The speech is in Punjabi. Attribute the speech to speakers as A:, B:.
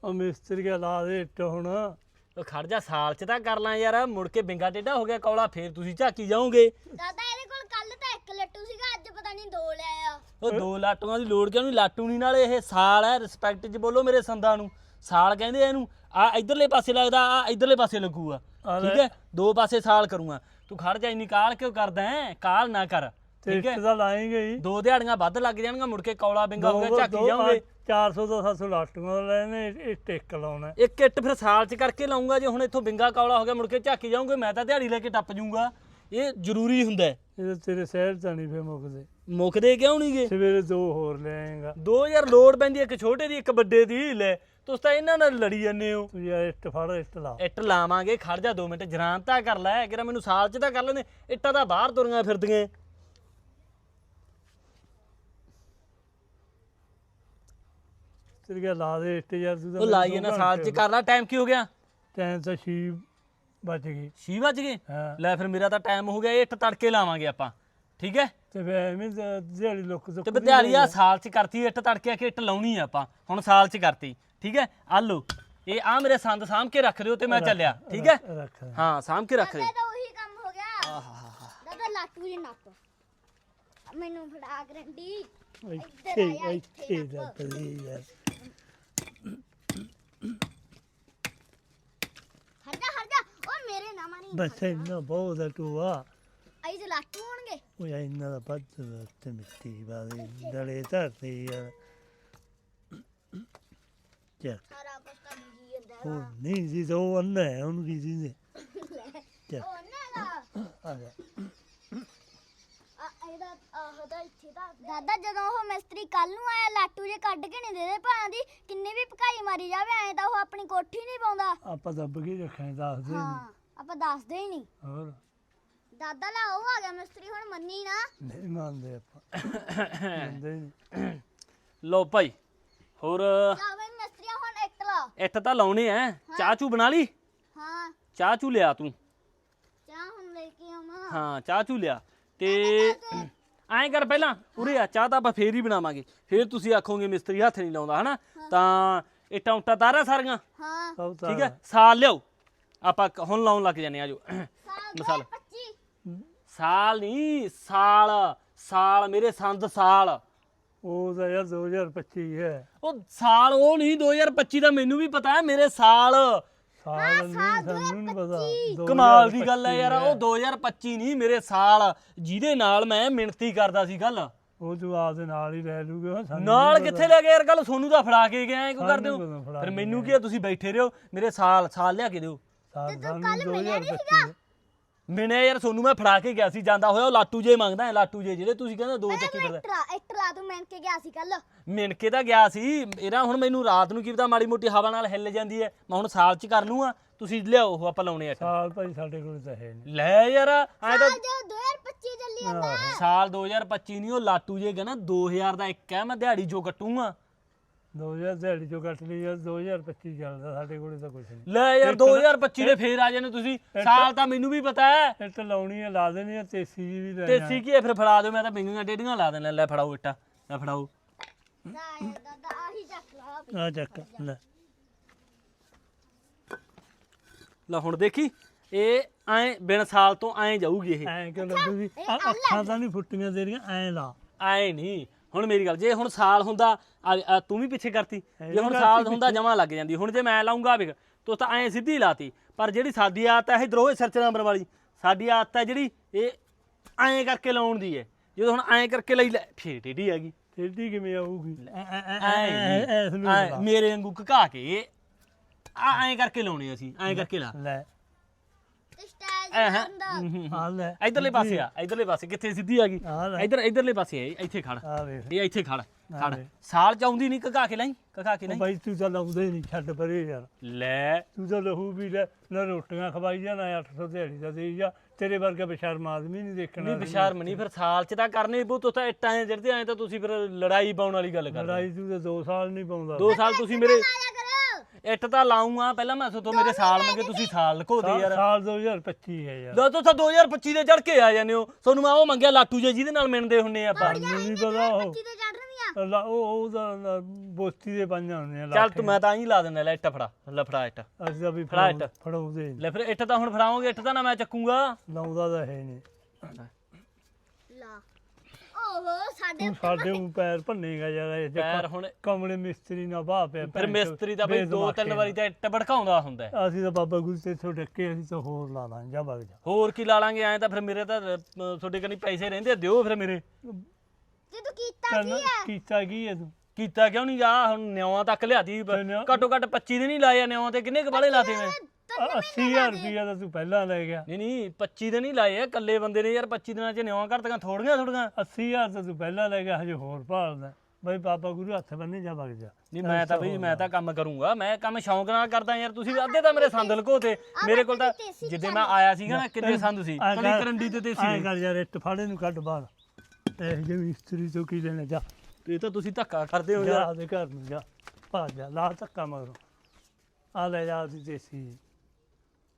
A: ਉਹ ਮਿਸਤਰੀ ਲਾ ਦੇ ਇੱਟ ਹੁਣ।
B: ਉਹ ਖੜ ਜਾ, ਸਾਲ ਚ ਤਾਂ ਕਰ ਲਾਂ ਯਾਰ, ਮੁੜ ਕੇ ਬਿੰਗਾ ਟੇਢਾ ਹੋ ਗਿਆ ਕੌਲਾ, ਫੇਰ ਤੁਸੀਂ ਝਾਕੀ ਜਾਓਗੇ।
C: ਦਾਦਾ ਇਹਦੇ ਕੋਲ ਕੱਲ ਤਾਂ 1 ਲੱਟੂ ਸੀਗਾ, ਅੱਜ ਪਤਾ ਨਹੀਂ 2 ਲੈ ਆ।
B: ਉਹ 2 ਲਾਟੂਆਂ ਦੀ ਲੋੜ ਕਿਉਂ ਨਹੀਂ, ਲਾਟੂ ਨਹੀਂ, ਨਾਲੇ ਇਹ ਸਾਲ ਹੈ, ਰਿਸਪੈਕਟ ਚ ਬੋਲੋ ਮੇਰੇ ਸੰਦਾਂ ਨੂੰ। ਸਾਲ ਕਹਿੰਦੇ ਆ ਇਹਨੂੰ, ਆ ਇਧਰਲੇ ਪਾਸੇ ਲੱਗਦਾ, ਆ ਇਧਰਲੇ ਪਾਸੇ ਲੱਗੂਗਾ, ਠੀਕ ਹੈ, 2 ਪਾਸੇ ਸਾਲ ਕਰੂੰਗਾ। ਤੂੰ ਖੜ ਜਾ, ਇੰਨੀ ਕਾਲ ਕਿਉਂ ਕਰਦਾ ਹੈ, ਕਾਲ ਨਾ ਕਰ, ਠੀਕ ਹੈ।
A: ਤਾਂ ਲਾਏਂਗੇ ਹੀ
B: 2 ਦਿਹਾੜੀਆਂ ਵੱਧ ਲੱਗ ਜਾਣਗੀਆਂ, ਮੁੜ ਕੇ ਕੌਲਾ ਬਿੰਗਾ ਹੋ ਗਿਆ, ਝਾਕੀ ਜਾਓਗੇ।
A: 400 ਤੋਂ 700 ਲਾਟੂਆਂ ਲੈਣੇ, ਇਹ ਟਿੱਕ ਲਾਉਣਾ।
B: ਇੱਕ ਇੱਟ ਫਿਰ ਸਾਲ ਚ ਕਰਕੇ ਲਾਉਂਗਾ, ਜੇ ਹੁਣ ਇੱਥੋਂ ਬਿੰਗਾ ਕੌਲਾ ਹੋ ਗਿਆ ਮੁੜ ਕੇ ਝਾਕੀ ਜਾਓਗੇ, ਮੈਂ ਤਾਂ ਦਿਹਾੜੀ ਲੈ ਕੇ ਟੱਪ ਜੂੰਗਾ। ਇਹ ਜ਼ਰੂਰੀ ਹੁੰਦਾ।
A: ਇਹ ਤੇਰੇ ਸ਼ਹਿਰ ਤਾਂ ਨਹੀਂ ਫੇ ਮੁੱਕਦੇ।
B: ਮੁੱਕਦੇ ਕਿਉਂ ਨਹੀਂ ਗੇ?
A: ਸਵੇਰੇ 2 ਹੋਰ ਲੈ ਆਏਗਾ।
B: 2000 ਲੋੜ ਪੈਂਦੀ, ਇੱਕ ਛੋਟੇ ਦੀ ਇੱਕ ਵੱਡੇ ਦੀ ਲੈ, ਤੁਸੀਂ ਤਾਂ ਇਹਨਾਂ ਨਾਲ ਲੜੀ ਜਾਂਦੇ ਹੋ।
A: ਤੂੰ ਯਾਰ ਇੱਟ ਫੜ, ਇੱਟ ਲਾ।
B: ਇੱਟ ਲਾਵਾਂਗੇ, ਖੜ ਜਾ 2 ਮਿੰਟ, ਜਰਾਨ ਤਾਂ ਕਰ ਲੈ, ਕਿਰਾ ਮੈਨੂੰ ਸਾਲ ਚ ਤਾਂ ਕਰ ਲੈਂਦੇ, ਇੱਟਾਂ ਤਾਂ ਬਾਹਰ ਤੁਰੀਆਂ ਫਿਰਦੀਆਂ।
A: ਤੇਰੇ ਲਾ ਦੇ ਇੱਟ ਯਾਰ, ਤੂੰ
B: ਉਹ ਲਾਈਏ ਨਾ, ਸਾਲ ਚ ਕਰ ਲਾ। ਟਾਈਮ ਕੀ ਹੋ ਗਿਆ?
A: ਟਾਈਮ ਤਾਂ 6 ਵੱਜ ਗਈ।
B: 6 ਵੱਜ ਗਏ?
A: ਹਾਂ
B: ਲੈ ਫਿਰ ਮੇਰਾ ਤਾਂ ਟਾਈਮ ਹੋ ਗਿਆ, ਇਹ ਇੱਟ ਤੜਕੇ ਲਾਵਾਂਗੇ ਆਪਾਂ, ਠੀਕ ਹੈ।
A: ਤੇ ਫੇ ਐਵੇਂ ਦਿਹਾੜੀ ਲੋਕ
B: ਤੇ ਵਿਦਿਆਲੀ ਆ ਸਾਲ ਚ ਕਰਤੀ ਇੱਟ, ਤੜਕੇ ਆ ਕੇ ਇੱਟ ਲਾਉਣੀ ਆ ਆਪਾਂ, ਹੁਣ ਸਾਲ ਚ ਕਰਤੀ, ਠੀਕ ਹੈ। ਆ ਲਓ, ਇਹ ਆ ਮੇਰੇ ਸੰਦ ਸਾਂਭ ਕੇ ਰੱਖ ਦਿਓ ਤੇ ਮੈਂ ਚੱਲਿਆ, ਠੀਕ ਹੈ।
A: ਰੱਖ।
B: ਹਾਂ ਸਾਂਭ ਕੇ ਰੱਖ ਦਿਓ।
C: ਦਾਦਾ ਤਾਂ ਉਹੀ ਕੰਮ ਹੋ ਗਿਆ। ਦਾਦਾ ਲਾਟੂ ਜੀ ਨੱਪ, ਮੈਨੂੰ ਫੜਾ ਗਰੰਟੀ।
A: ਇੱਥੇ ਦਾ ਪਲੀ ਯਾਰ।
C: ਹਟ ਜਾ ਉਹ ਮੇਰੇ ਨਾ ਮਾਰੀ।
A: ਬਸ ਇੰਨਾ ਬਹੁਤ ਆ ਟੂਆ।
C: ਆਈ ਤੇ ਲਾਟੂ ਹੋਣਗੇ।
A: ਉਹ ਯਾਰ ਇੰਨਾ ਦਾ ਵੱਧ ਤੇ ਮਿੱਟੀ ਬਾਦੇ ਡਲੇ ਧਰਤੇ ਯਾਰ। ਚੱਕ
C: ਸਾਰਾ ਕੁਝ ਤਾਂ ਬੀਜੀ ਜਾਂਦਾ
A: ਉਹ ਨਹੀਂ ਜੀ, ਉਹ ਅੰਨਾ ਹੈ, ਉਹਨੂੰ ਕੀ ਜੀ ਚੱਕ
C: ਉਹ ਨਾ
A: ਆ ਜਾ।
C: ਇਹਦਾ ਆਹਦਾ ਇੱਥੇ ਦਾ ਦਾਦਾ, ਜਦੋਂ ਉਹ ਮਿਸਤਰੀ ਕੱਲ ਨੂੰ ਆਇਆ, ਲਾਟੂ ਜੇ ਕੱਢ ਕੇ ਨਹੀਂ ਦੇਦੇ ਭਾਂ ਦੀ, ਕਿੰਨੇ ਵੀ ਭਕਾਈ ਮਾਰੀ ਜਾਵੇ, ਐਂ ਤਾਂ ਉਹ ਆਪਣੀ ਕੋਠੀ ਨਹੀਂ ਪਾਉਂਦਾ।
A: ਆਪਾਂ ਦੱਬ ਕੇ ਰੱਖਾਂ, ਦੱਸਦੇ ਨਹੀਂ।
C: ਹਾਂ ਆਪਾਂ ਦੱਸਦੇ ਹੀ ਨਹੀਂ।
A: ਹੋਰ
C: ਦਾਦਾ ਲਾ ਉਹ ਆ ਗਿਆ ਮਿਸਤਰੀ, ਹੁਣ ਮੰਨੀ ਨਾ।
A: ਨਹੀਂ ਮੰਨਦੇ ਆਪਾਂ, ਮੰਨਦੇ ਨਹੀਂ।
B: ਲਓ ਭਾਈ, ਹੋਰ
C: ਲਾ ਬਈ ਮਿਸਤਰੀ ਹੁਣ ਇੱਟ ਲਾ।
B: ਇੱਟ ਤਾਂ ਲਾਉਣੇ ਐ। ਚਾਹ ਚੂ ਬਣਾ ਲਈ?
C: ਹਾਂ
B: ਚਾਹ ਚੂ ਲਿਆ ਤੂੰ?
C: ਚਾਹ ਹੁਣ ਲੈ ਕੇ ਆਵਾਂ।
B: ਹਾਂ ਚਾਹ ਚੂ ਲਿਆ। ਤੇ ਐਂ ਕਰ, ਪਹਿਲਾਂ ਉਰੇ ਆ, ਚਾਹ ਤਾਂ ਆਪਾਂ ਫੇਰ ਹੀ ਬਣਾਵਾਂਗੇ, ਫੇਰ ਤੁਸੀਂ ਆਖੋਗੇ ਮਿਸਤਰੀ ਹੱਥ ਨਹੀਂ ਲਾਉਂਦਾ, ਹਨਾ। ਤਾਂ ਇੱਟਾਂ ਉੱਟਾਂ ਤਾਰਾ ਸਾਰੀਆਂ,
C: ਹਾਂ
A: ਸਭ ਤਾਂ
B: ਠੀਕ ਹੈ। ਸਾਲ ਲਿਆਓ, ਆਪਾਂ ਹੁਣ ਲਾਉਣ ਲੱਗ ਜਾਂਦੇ ਆ। ਜੋ
C: ਸਾਲ 2025
B: ਸਾਲ ਨਹੀਂ, ਸਾਲ, ਸਾਲ ਮੇਰੇ ਸੰਦ ਸਾਲ।
A: ਉਹ ਤਾਂ ਯਾਰ 2025 ਹੈ।
B: ਉਹ ਸਾਲ ਉਹ ਨਹੀਂ, 2025 ਦਾ ਮੈਨੂੰ ਵੀ ਪਤਾ ਹੈ, ਮੇਰੇ ਸਾਲ।
A: ਸਾਲ ਨਹੀਂ, ਸਾਨੂੰ ਨਹੀਂ ਪਤਾ।
B: ਕਮਾਲ ਦੀ ਗੱਲ ਹੈ ਯਾਰ, ਉਹ 2025 ਨਹੀਂ, ਮੇਰੇ ਸਾਲ, ਜਿਹਦੇ ਨਾਲ ਮੈਂ ਮਿਹਨਤੀ ਕਰਦਾ ਸੀ। ਗੱਲ
A: ਉਹ ਤੂੰ ਆਪਦੇ ਨਾਲ ਹੀ ਲੈ ਲੂਗੇ।
B: ਨਾਲ ਕਿੱਥੇ ਲੈ ਗਿਆ ਯਾਰ, ਗੱਲ ਸੋਨੂੰ ਦਾ ਫੜਾ ਕੇ ਗਿਆ, ਕਿਉਂ ਕਰਦੇ ਹੋ?
A: ਸਾਨੂੰ ਫੜਾ
B: ਫਿਰ ਮੈਨੂੰ ਕੀ ਆ, ਤੁਸੀਂ ਬੈਠੇ ਰਹੋ, ਮੇਰੇ ਸਾਲ ਸਾਲ ਲਿਆ ਕੇ ਦਿਓ।
A: ਸਾਲ
C: ਕੱਲ ਮਿਲਿਆ ਨਹੀਂ ਸੀਗਾ।
B: ਮੈਨੇ ਯਾਰ ਸੋਨੂੰ ਮੈਂ ਫੜਾ ਕੇ ਗਿਆ ਸੀ, ਜਾਂਦਾ ਹੋਇਆ ਉਹ ਲਾਟੂ ਜੇ ਮੰਗਦਾ, ਲਾਟੂ ਜੇ ਜਿਹੜੇ ਤੁਸੀਂ ਕਹਿੰਦੇ 2 ਚੱਕੀ ਫਿਰਦਾ।
C: ਇੱਟ ਲਾ ਤੂੰ ਮਿਣ ਕੇ ਗਿਆ ਸੀ ਕੱਲ।
B: ਮਿਣ ਕੇ ਤਾਂ ਗਿਆ ਸੀ, ਇਹਦਾ ਹੁਣ ਮੈਨੂੰ ਰਾਤ ਨੂੰ ਕੀ ਪਤਾ, ਮਾੜੀ ਮੋਟੀ ਹਵਾ ਨਾਲ ਹਿੱਲ ਜਾਂਦੀ ਹੈ, ਮੈਂ ਹੁਣ ਸਾਲ ਚ ਕਰ ਲੂੰਗਾ। ਤੁਸੀਂ ਲਿਆਓ, ਉਹ ਆਪਾਂ ਲਾਉਣੇ ਆ।
A: ਸਾਲ ਭਾਈ ਸਾਡੇ ਕੋਲ ਤਾਂ ਹੈ ਨਹੀਂ।
B: ਲੈ ਯਾਰ ਐ ਤਾਂ
C: ਜੋ 2025 ਚੱਲੀ ਜਾਂਦਾ।
B: ਸਾਲ 2025 ਨਹੀਂ, ਉਹ ਲਾਟੂ ਜੇ ਕਹਿੰਦਾ 2000 ਦਾ ਇੱਕ ਹੈ, ਮੈਂ ਦਿਹਾੜੀ ਜੋ ਕੱਟੂਗਾ।
A: 2000 ਦਿਹਾੜੀ ਚੋਂ ਕੱਟ ਲਈ ਯਾਰ, 2025 ਚੱਲਦਾ ਸਾਡੇ ਕੋਲੇ ਤਾਂ ਕੁਝ ਨਹੀਂ।
B: ਲੈ ਯਾਰ 2025 ਦੇ ਫੇਰ ਆ ਜਾਣੇ ਤੁਸੀਂ, ਸਾਲ ਤਾਂ ਮੈਨੂੰ ਵੀ ਪਤਾ ਹੈ।
A: ਇੱਟ ਲਾਉਣੀ ਹੈ, ਲਾ ਦੇਣੀ ਹੈ, ਤੇਸੀ ਜੀ ਵੀ ਲੈ
B: ਤੇ ਸੀ ਕੀ ਫਿਰ ਫੜਾ ਦਿਓ, ਮੈਂ ਤਾਂ ਬਿੰਗੀਆਂ ਡੇਡੀਆਂ ਲਾ ਦੇਣਾ। ਲੈ ਫੜਾਓ ਇੱਟਾਂ, ਲੈ ਫੜਾਓ।
C: ਦਾਦਾ ਆਹੀ ਚੱਕ ਲਾ।
A: ਆ ਚੱਕ ਲੈ।
B: ਲੈ ਹੁਣ ਦੇਖੀ, ਇਹ ਐ ਬਿਨ ਸਾਲ ਤੋਂ ਐ ਜਾਊਗੀ ਇਹ।
A: ਐਂ ਕਿਉਂ ਲੱਗੂਗੀ? ਅੱਖਾਂ ਤਾਂ ਨਹੀਂ ਫੁੱਟੀਆਂ ਤੇਰੀਆਂ, ਐਂ ਲਾ।
B: ਐ ਨਹੀਂ, ਹੁਣ ਮੇਰੀ ਗੱਲ, ਜੇ ਹੁਣ ਸਾਲ ਹੁੰਦਾ, ਤੂੰ ਵੀ ਪਿੱਛੇ ਕਰਤੀ, ਜੇ ਹੁਣ ਸਾਲ ਹੁੰਦਾ ਜਮਾ ਲੱਗ ਜਾਂਦੀ। ਹੁਣ ਜੇ ਮੈਂ ਲਾਉਂਗਾ ਵੇਖ, ਤੂੰ ਤਾਂ ਐ ਸਿੱਧੀ ਲਾਤੀ, ਪਰ ਜਿਹੜੀ ਸਾਡੀ ਆਦਤ ਹੈ ਇਧਰੋਂ ਸਿਰਚ ਨੰਬਰ ਵਾਲੀ, ਸਾਡੀ ਆਦਤ ਹੈ ਜਿਹੜੀ ਇਹ ਐਂ ਕਰਕੇ ਲਾਉਣ ਦੀ ਹੈ। ਜਦੋਂ ਹੁਣ ਐਂ ਕਰਕੇ ਲਈ ਲੈ, ਫੇਰ ਟੇਢੀ ਆ ਗਈ।
A: ਟੇਢੀ ਕਿਵੇਂ ਆਊਗੀ?
B: ਐ ਮੇਰੇ ਵਾਂਗੂ ਘਕਾ ਕੇ ਐਂ ਕਰਕੇ ਲਾਉਣੇ ਅਸੀਂ, ਐਂ ਕਰਕੇ ਲਾ
A: ਲੈ।
C: ਤੇ ਸਟਾਈਲ ਹੁੰਦਾ।
A: ਆ ਲੈ,
B: ਇਧਰਲੇ ਪਾਸੇ ਆ, ਇਧਰਲੇ ਪਾਸੇ ਕਿੱਥੇ ਸਿੱਧੀ ਆ ਗਈ? ਇਧਰਲੇ ਪਾਸੇ ਆ, ਇੱਥੇ ਖੜ,
A: ਆ ਵੇਖ।
B: ਇਹ ਇੱਥੇ ਖੜ ਖੜ। ਸਾਲ ਚ ਆਉਂਦੀ ਨਹੀਂ, ਘਕਾ ਕੇ ਲਈ, ਘਕਾ ਕੇ ਲਈ।
A: ਬਾਈ ਤੂੰ ਤਾਂ ਲਾਉਂਦੇ ਨਹੀਂ, ਛੱਡ ਪਰੇ ਯਾਰ।
B: ਲੈ
A: ਤੂੰ ਤਾਂ ਲਹੂ ਵੀ ਲੈ, ਨਾ ਰੋਟੀਆਂ ਖਵਾਈ ਜਾ, ਨਾ 800 ਦਿਹਾੜੀ ਦਾ ਦੇਈ ਜਾ। ਤੇਰੇ ਵਰਗਾ ਬੇਸ਼ਰਮ ਆਦਮੀ ਨਹੀਂ ਦੇਖਣਾ।
B: ਨਹੀਂ ਬਸ਼ਰਮ ਨਹੀਂ, ਫਿਰ ਸਾਲ ਚ ਤਾਂ ਕਰਨੇ ਬੂ। ਤੂੰ ਤਾਂ ਇੱਟਾਂ ਜਿਹੜੇ ਆਏ ਤਾਂ ਤੁਸੀਂ ਫਿਰ ਲੜਾਈ ਪਾਉਣ ਵਾਲੀ ਗੱਲ ਕਰਦੇ।
A: ਲੜਾਈ ਤੂੰ ਤਾਂ 2 ਸਾਲ ਨਹੀਂ ਪਾਉਂਦਾ।
B: 2 ਸਾਲ ਤੁਸੀਂ ਮੇਰੇ
C: ਆਇਆ ਕਰੋ।
B: ਇੱਟ ਤਾਂ ਲਾਉਂਗਾ, ਪਹਿਲਾਂ ਮੈਂ ਸੋਤੋਂ ਮੇਰੇ ਸਾਲ ਮੰਗੇ, ਤੁਸੀਂ ਸਾਲ ਲਕੋਦੇ ਯਾਰ।
A: ਸਾਲ 2025 ਹੈ ਯਾਰ।
B: ਲੋ ਤੁਸੀਂ 2025 ਦੇ ਚੜ ਕੇ ਆ ਜਾਂਦੇ ਹੋ। ਤੁਹਾਨੂੰ ਮੈਂ ਉਹ ਮੰਗਿਆ ਲਾਟੂ ਜੇ ਜਿਹਦੇ ਨਾਲ ਮਿਣਦੇ ਹੁੰਨੇ ਆਪਾਂ।
A: ਮੈਨੂੰ ਨਹੀਂ ਪਤਾ ਉਹ।
C: 25 ਤੇ ਚੜ ਰਹੀਆਂ।
A: ਉਹਦਾ ਬੋਸਤੀ ਦੇ ਪੰਜਾਂ ਹੁੰਦੀਆਂ
B: ਚੱਲ ਤੂੰ ਮੈਂ ਤਾਂ ਹੀ ਲਾ ਦਿੰਦਾ ਲੈ ਇੱਟ ਫੜਾ ਲੈ ਫੜਾ ਇੱਟ
A: ਅਸੀਂ ਤਾਂ ਵੀ
B: ਫੜਾ ਇੱਟ।
A: ਫੜਾਉਂਦੇ ਨੀ।
B: ਲੈ ਫਿਰ ਇੱਟ ਤਾਂ ਹੁਣ ਫੜਾਓਗੇ ਇੱਟ ਤਾਂ ਨਾ ਮੈਂ ਚੱਕੂਗਾ
A: ਲਾਉਂਦਾ ਤਾਂ ਹੈ ਨਹੀਂ
C: ਲਾ ਓਹੋ ਸਾਡੇ
A: ਤੂੰ ਸਾਡੇ ਨੂੰ ਪੈਰ ਭੰਨੇਗਾ ਯਾਰ ਇਹ
B: ਪੈਰ ਹੁਣ
A: ਕਮਲੇ ਮਿਸਤਰੀ ਨਾਲ ਬਾਹ ਪਿਆ
B: ਫਿਰ ਮਿਸਤਰੀ ਦਾ ਬਈ 2-3 ਵਾਰੀ ਤਾਂ ਇੱਟ ਭੜਕਾਉਂਦਾ ਹੁੰਦਾ ਹੈ।
A: ਅਸੀਂ ਤਾਂ ਬਾਬਾ ਗੁਰੂ ਤੇ ਇੱਥੋਂ ਡੱਕੇ ਅਸੀਂ ਤਾਂ ਹੋਰ ਲਾ ਦਾਂ ਜਾ ਵਗ ਜਾ
B: ਹੋਰ ਕੀ ਲਾ ਲਾਂਗੇ ਐਂ ਤਾਂ ਫਿਰ ਮੇਰੇ ਤਾਂ ਤੁਹਾਡੇ ਕੰਨੀ ਪੈਸੇ ਰਹਿੰਦੇ ਦਿਓ ਫਿਰ ਮੇਰੇ
C: ਜੇ ਤੂੰ ਕੀਤਾ ਕੀ ਹੈ
A: ਕੀਤਾ ਕੀ ਹੈ ਤੂੰ
B: ਕੀਤਾ ਕਿਉਂ ਨਹੀਂ ਜਾ ਹੁਣ ਨਿਉਆਂ ਤੱਕ ਲਿਆਦੀ ਘੱਟੋ ਘੱਟ 25 ਦਿਨ ਹੀ ਲਾਏ ਨਿਉਆਂ ਤੇ ਕਿੰਨੇ ਕਬਾਲੇ ਲਾਤੇ ਮੈਂ
A: 80000 ਰੁਪਇਆ ਤਾਂ ਤੂੰ ਪਹਿਲਾਂ ਲੈ ਗਿਆ
B: ਨਹੀਂ 25 ਦਿਨ ਹੀ ਲਾਏ ਆ ਇਕੱਲੇ ਬੰਦੇ ਨੇ ਯਾਰ 25 ਦਿਨਾਂ ਚ ਨਿਉਆਂ ਘੜਤੀਆਂ ਥੋੜੀਆਂ
A: 80000 ਤਾਂ ਤੂੰ ਪਹਿਲਾਂ ਲੈ ਗਿਆ ਹਜੇ ਹੋਰ ਭਾਲਦਾ ਬਈ ਬਾਬਾ ਗੁਰੂ ਹੱਥ ਬੰਨੇ ਜਾ ਵਗ ਜਾ
B: ਨਹੀਂ ਮੈਂ ਤਾਂ ਕੰਮ ਕਰੂੰਗਾ ਮੈਂ ਕੰਮ ਸ਼ੌਂਕ ਨਾਲ ਕਰਦਾ ਯਾਰ ਤੁਸੀਂ ਅੱਧੇ ਤਾਂ ਮੇਰੇ ਸੰਦ ਲਕੋਤੇ ਮੇਰੇ ਕੋਲ ਤਾਂ ਜਿੱਦੇ ਮੈਂ ਆਇਆ ਸੀਗਾ ਨਾ ਕਿੰਨੇ ਸੰਦ ਸੀ ਕਲੀ ਕਰੰਡੀ ਤੇ ਦੇਸੀ
A: ਐਂ ਕਰ ਯਾਰ ਇੱਟ ਫਾੜੇ ਨੂੰ ਕੱਢ ਬਾਹਰ ਇਹ ਜਿਵੇਂ ਇਸਤਰੀ ਤੋਂ ਕੀ ਲੈਣਾ ਜਾ
B: ਇਹ ਤਾਂ ਤੁਸੀਂ ਧੱਕਾ ਕਰਦੇ ਹੋ
A: ਜਾ
B: ਯਾਰ
A: ਆਪਦੇ ਘਰ ਨੂੰ ਜਾ ਭੱਜ ਜਾ ਲਾ ਧੱਕਾ ਮਗਰੋਂ ਆ ਲੈ ਜਾ ਉਹਦੀ ਦੇਸੀ